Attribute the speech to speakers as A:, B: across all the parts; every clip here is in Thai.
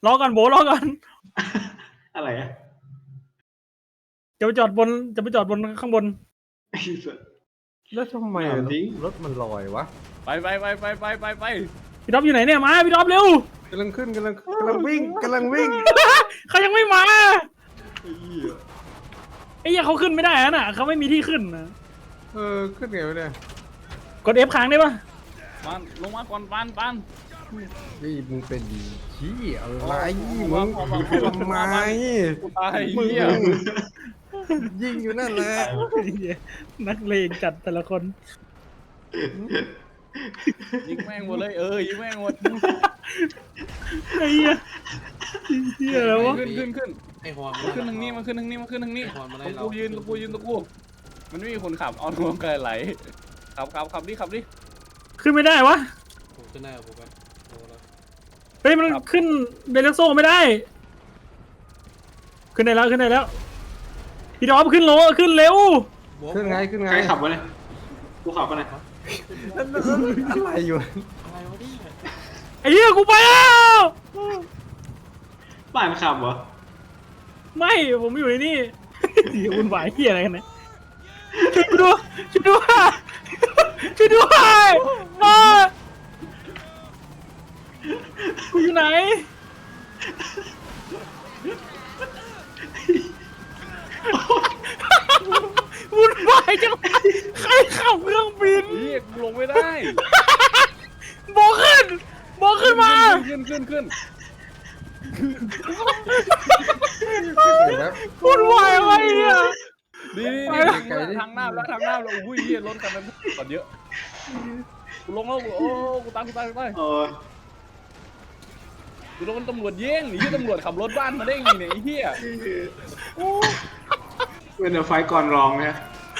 A: รอก่อนโบรอก่อน
B: อะไรอะ
A: จะไปจอดบนข้างบน
B: ไอ้สัส
C: แล้วทำไม
B: ถามจริง
C: รถมันลอยวะ
D: ไป
A: พี่ท็อปอยู่ไหนเนี่ยมาพี่ท็อปเร็ว
C: กำลังขึ้นกำลังวิ่ง
A: เขายังไม่มา
B: ไอ้เหี้ย
A: ไอ้เหี้ยเขาขึ้นไม่ได้น่ะเขาไม่มีที่ขึ้นนะ
C: ขึ้นไงวะเนี่ย
A: กด F ค้างได้ปะ
D: ปานลงมาก่อนปาน
C: นี่มึงเป็นชี้อะไร
D: มึ
C: มึ
D: ง
C: งทำไม
D: กูตายเหี้ย
C: ยิงอยู่นั่นแหละ
A: นักเลงจัดแต่ละคน
D: ยิงแม่งหมดเลยยิงแม่งหมด
A: ไอ้เหี้ยแล้ววะ
D: ขึ้น
E: ไอ้ฮอน
D: ขึ้นทางนี้มาขึ้นทางนี้ตรงกูยืนตรงกูมันไม่มีคนขับเอารวมกันไหลขับดิ
A: ขึ้นไม่ได้วะ
E: ผมจะได้กับผมไปโอ้แล้ว
A: เฮ้ยมันขึ้นเบลโซ่ไม่ได้ ขึ้นได้แล้วพี่ท็อปขึ้นเร็ว
C: ขึ้นไง
B: ใครขับวะเนี่ยกูขับวะเนี่ย
C: อะไรอยู่
E: อะไรวะเนี่ย
A: ไอ้เหี้ยกูไปแล้ว
B: บ้านขับเหรอ
A: ไม่ผมอยู่ในนี่ เดี๋ยววุ่นวายเหี้ยอะไรกันเนี่ยช่วยด้วยกูอยู่ไหนวุ่นวายจังใครขับเครื่องบิน
D: เหี้ยกูลงไม่ได้
A: โบขึ้นมา
D: ขึ้น
C: แบบ
A: วุ่นวายอะไรเนี่ย
D: นี่ทางหน้าแล้วอุ้ยเหี้ยรถกันมันก่อนเยอะกูลงแล้วโอ้กูตาม
B: เออ
D: กูโดนตำรวจเย้งหนีตำรวจขับรถบ้านมาได้ไงเนี่ยไอ้เหี้ย
B: เป็นเดอะไฟก่อนรองเนี่ย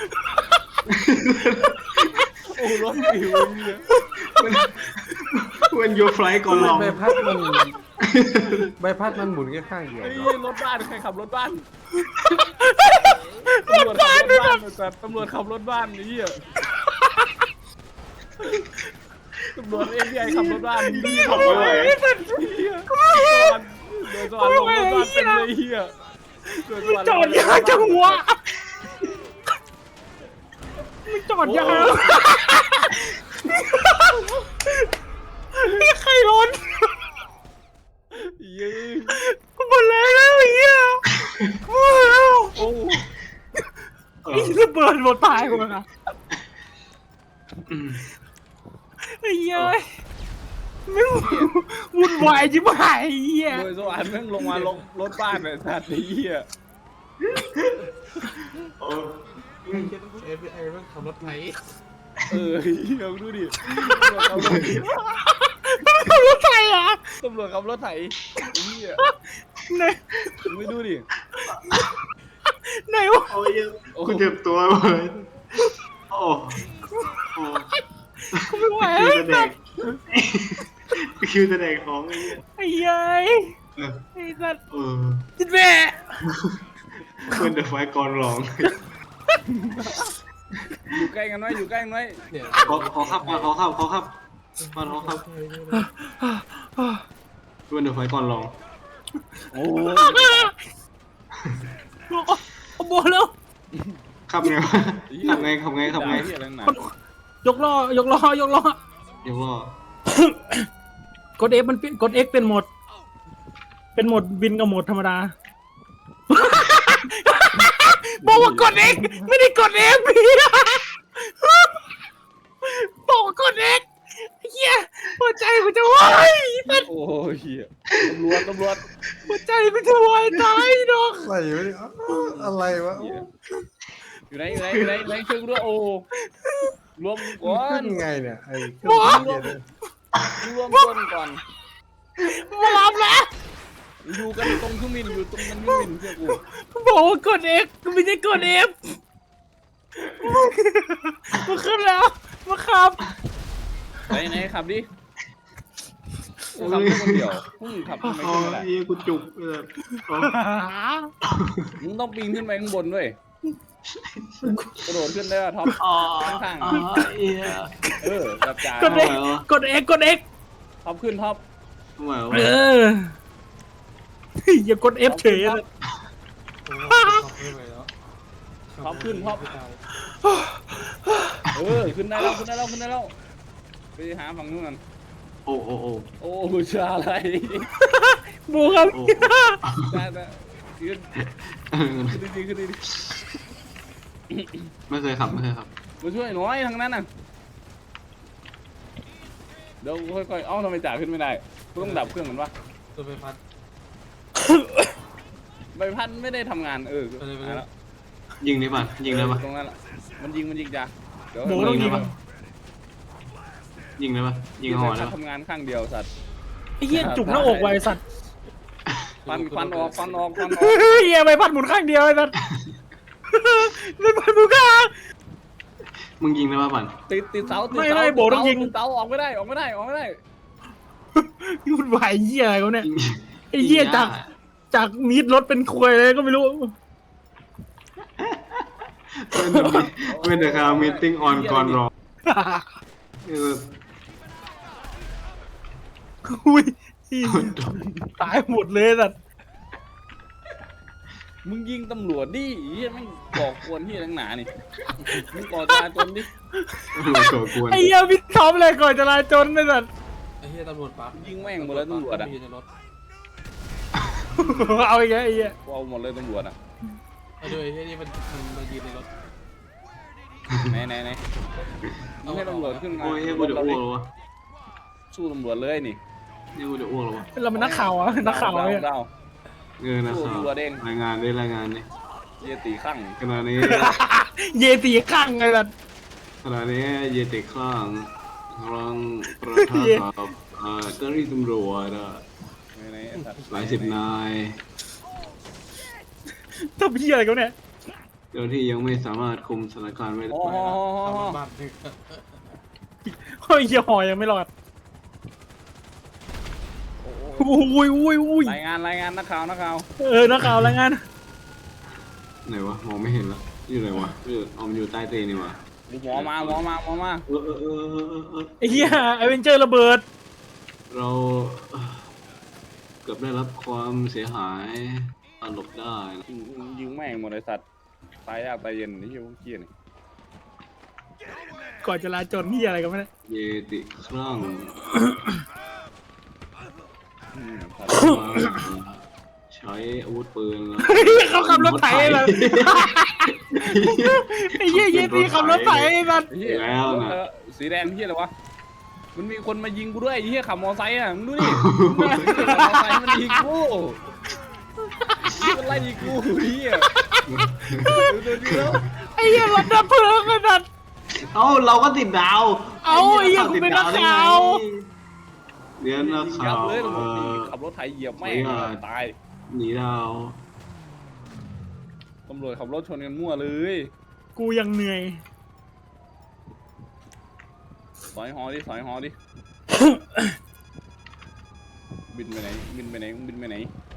D: โอ้รถปิวเนี่ย
B: เป็นยูไฟก่อนรอง
C: ใบพัดมันหมุนแค่ข้างเดียว
D: ไอ้เหี้ยรถบ้านใครขับรถบ้านตำรวจขับรถบ้านแต่ตำรวจขับรถบ้านไอ้เหี้ยตำรวจFBIขับรถบ้านนี่ขับไม่ไหวเดินสวรรค์ลงรถบ้านเป็นเลยเหี้ย
A: จอดยากจังวะมึงจอดยากนี่ใครร้อน
D: ยืน
A: กูหมดแล้วไอ้เหี้ยหมดแล้ว
D: โอ้
B: เออ
A: ไอ้ระเบิดหมดตายกูแล้วนะ
B: อืม
A: ไอ้เหี้ยไม่วุ่นวายจิ๋วหายไอ้เหี้ย
D: โดยสวรรค์แม่งลงมาลงรถบ้านเนี่ยสัตว์ไอ้เหี้ย
B: เออ
E: FBI มันขับรถไถ
D: เหี้ยดูดิตำรวจขับรถ
A: มันขับรถไฟอ่ะ
D: ตำรวจขับรถไถเหี้ย
A: ไหน
D: ไม่ดูดิ
A: ไหนวะ
B: โอ้ยกูเจ็บตัวเลยโอ้โอ้
A: กูไม่ไหว
B: คิวจะแดกของไอ้เหี้ย
A: ไอ้เหี้ย
B: เออ
A: ไอ้สัตว์
B: เออ
A: จิตแม่
B: เป็นเดอะไฟก่อนรอง
D: อยู่ใกล้กันไว้
E: เนี่ย
B: ขอขับเป็นเดอะไฟก่อนรอง
D: โอ้
A: เอาโบแล้ว
B: ขับไงวะขับไง
D: เหี้ยแรงหนาย
A: กล้อ
B: เดี๋ยวว่าก
A: ด F มันกด X เป็นโหมดบินกับโหมดธรรมดาบอกว่ากด X ไม่ได้กด F พี่บอกว่ากด X เฮียหัวใจมันจะวาย
D: โอ้เหี้ยตำรวจ
A: หัวใจมันจะวายตายดอก
C: อะไรวะ
D: อยู่ไหนช่วยกูด้วยโอ้รวมก่อน
C: ขึ้นไงเนี่ยไอ้เครื่องบินเนี่ย
D: รวมคนก่อน
A: มารับแล้ว
D: อยู่กันตรงเครื่องบินอยู่ตรงมันเครื่องบินเชื่อกู
A: บอกว่ากด X ไม่ได้กด F มาขึ้นแล้วมาขับ
D: ไหนขับดิกูขับแค่คนเดียวมึงขับทำไม
B: อ๋อ
D: ขึ้นมาได้
B: ไอ้กูจุกเลย
D: มึงต้องปีนขึ้นไปข้างบนด้วยกระโดดขึ้นได้ป่ะท็อป
B: อ๋อ
D: ข้าง
B: อ๋อเอี้ย
D: แบบจ่าก
A: ด X กด X
D: ท็อปขึ้นท็อป
B: ทำไมวะ
A: เอออย่ากด F เฉยเลย
D: ท็อปขึ้นท็อปขึ้นได้แล้วขึ้นได้แล้วขึ้นได้แล้วไปหาฝั่งนู้นกัน
B: โอ้โอ้โอ้
D: โอ้ชาอะไร
A: บูครับ
B: โอ้
D: ได้ขึ้นดีขึ้นดี
B: ไม่เคยขับไม่เคยขับ
D: มาช่วยหน่อยทางนั้นน่ะเดี๋ยวค่อยๆเอ้าทำไมจ่าขึ้นไม่ได้กูต้องดับเครื่องเหมือนวะ
E: ตัวไปพัด
D: ใบพัดไม่ได้ทำงานแล้ว
B: ยิงได้ป่ะยิงได้ป่ะ
D: ตรงนั้นมันยิงจ้ะเดี๋ยว
A: โบต้องยิง
B: ยิงได้ป่ะยิงหอได้ป่ะ
D: ทำงานข้างเดียวสัตว์
A: ไอ้เหี้ยจุกหน้าอกไว้สัตว์
D: ฟันออก
A: เหี้ยใบพัดหมุนข้างเดียวไอ้สัตว์ใบพัดหมุนข้าง
B: มึงยิงได้ป่ะปั่น
D: ติดเสาเสาออกไม่ได้
A: ยุ่นวายเหี้ยอะไรเขาเนี่ย
B: ยิง
A: ไอ้เหี้ยจากมีดรถเป็นควยเลยก็ไม่รู้
B: เป็นเดอะคาร์มีติ้งออนก่อนรอ
A: อุ้ยตายหมดเลยสัตว์
D: มึงยิงตำรวจดิเฮียแม่งก่อกวนที่ทั้งหนานี่มึงก่อจราจนดิ
B: โกกวน
A: ไอ้เหี้ยพี่ทอมเลยก่อนจะลาจนไอ้สัตว์
E: ไอ้เหี้ยตำรวจปั๊บ
D: ยิงแม่งหมดเลยตำรวจอ่ะ
E: มีในรถ
A: เอาอีกแล้วไอ้เหี้ย
D: เอาหมดเลยตำรวจอ่ะ
E: ไอ้ด้วยไอ้เหี้ยนี่มันยืนในรถ
D: ไหนมึงให้ตำรวจขึ้นมา
B: โอ้ยกูจะอ้วกแล้ววะ
D: สู้ตำรวจเลยนี่
B: นี่กูจะอ้วกแล้ววะ
A: เราเป็นนักข่าวอะนักข่าวเนี่ย
D: ดาว
B: นะครับรายงานด้วยรายงานดิ
D: เยตีข้าง
B: ขณะนี้
A: เยตีข้างไงสัตว์
B: ขณะนี้เยติข้างกำลังประทะกับเจ้าหน้าที่ตำรวจหลายสิบนาย
A: ทำเหี้ยอะไรเขาเนี่ย
B: เจ้าหน้าที่ยังไม่สามารถคุมสถานการณ์ไว้ได้
D: โอ้โห
E: บ้านดึก
A: เฮ้ยเหี้ยหอยยังไม่รอดอุ้ย
D: รายงานนักข่าว
A: นักข่าวรายงาน
B: ไหนวะมองไม่เห็นละอยู่ไหนวะมันอยู่ใต้เตียงนี่วะ
D: หมอมา
A: ไอ้เหี้ยไอเวนเจอร์ระเบิด
B: เราเกือบได้รับความเสียหายหลบได้นะ
D: ยิงแม่งหมดเลยสัตว์ตายยากตายเย็นนี่เหี้ยพวกเกี้ยนี่
A: ก่อนจะลาจนเหี้ยอะไรกันไม่ได้
B: เยติครั่งใช้อาวุธปืนแล้ว
A: เขาขับรถไถเลยไอ้เหี้ยเยตีขับรถไถไอ้สัตว์
D: เหี้ยสีแดงเหี้ยอะไรวะมันมีคนมายิงกูด้วยเหี้ยขับมอไซค์อ่ะมึงดูดิมอไซค์มันยิงกูมันไล่ยิงกูเหี้ยดูดิแล้ว
A: ไอ้เหี้ยรถดับเพลิงไอ้สัตว์
B: เอ้าเราก็ติดดาว
A: เอ้าไอ้เหี้ยกูเป็นนักข่าว
B: เดี๋ยวนักข่าว
D: เลยขับรถไถเหยียบแม่งตาย
B: หนีดาว
D: ตำรวจขับรถชนกันมั่วเลย
A: กูยังเหนื่อย
D: สอยหอดิบินไปไหนบินไปไหน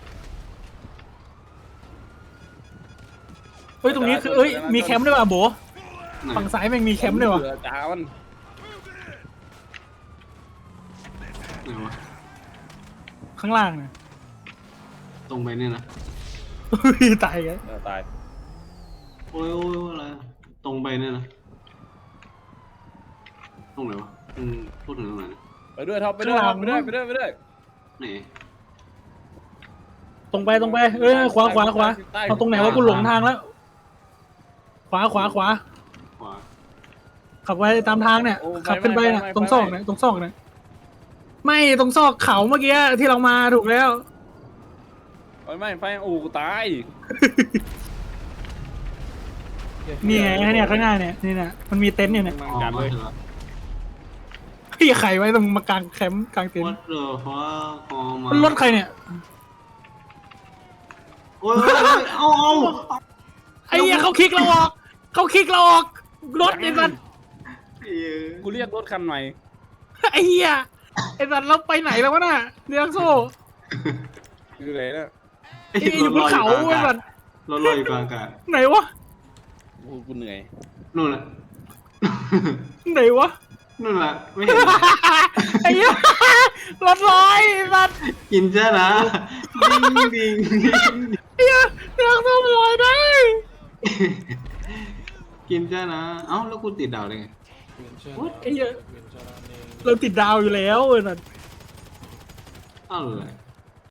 A: เฮ้ยตรงนี้คือเอ้ยมีแคมป์ด้วยว่ะโบ
B: ไหน
A: ฝั่งซ้ายแม่งมีแคมป์ด้วยว่ะ
D: จ้ามัน
B: ไหนวะ
A: ข้างล่างเนี่ย
B: ตรงไปเนี่ยนะ
A: ตายกัน
D: ตาย
B: โอ้ยอะไรตรงไปเนี่ยนะตรงไหนวะพูดถึงตรงไหนนะ
D: ไปด้วยท็อปไปด้วย
B: ไหน
A: ตรงไปขวาเอาตรงไหนวะกูหลงทางแล้วขวา
B: ขวา
A: ขับไปตามทางเนี่ยขับขึ้นไปเนี่ยตรงซอกเนี่ยไม่ตรงซอกเขาเมื่อกี้ที่เรามาถูกแล้ว
D: ไม่ไฟโอ้กูตาย
A: นี่ไงเนี่ยข้างหน้าเนี่ยนี่นะมันมีเต็นท์เนี่ย
B: อ๋อมาถึงแล้ว
A: พี่ไข่ไว้ตรงมากางแคมป์กางเต็นท์
B: What the fuck พอมา
A: มันรถใครเนี่ย
B: โอ้ยเอา
A: ไอ้เหี้ยเขาคิกเราออกรถไอ้สัตว์
D: กูเรียกรถคันใหม่
A: ไอ้เหี้ยไอ้สัตว์เราไปไหนแล้ววะน่ะเดียงโซ่
D: คืออะไรนะ
A: อยู่บนเขาไอ้สัตว์
B: รถลอยอยู่กลางอากาศ
A: ไหนวะ
D: กูเหนื่อย
B: นู่นแหละ
A: ไหนวะ
B: นู่นแหละไม่เห็น
A: ไอ้เหี้ยรถลอยสัตว์
B: กินจ้านะดิ้งดิ้งดิ้ง
A: เฮียเรื่องส้มลอยได้
B: กินจ้านะเอ้าแล้วกูติดดาวได้ไง
E: เวียนเชิญ
A: ไอ้เหี้ย
E: เวียนเชิญเอง
A: เราติดดาวอยู่แล้วเออนั่น
B: อะไร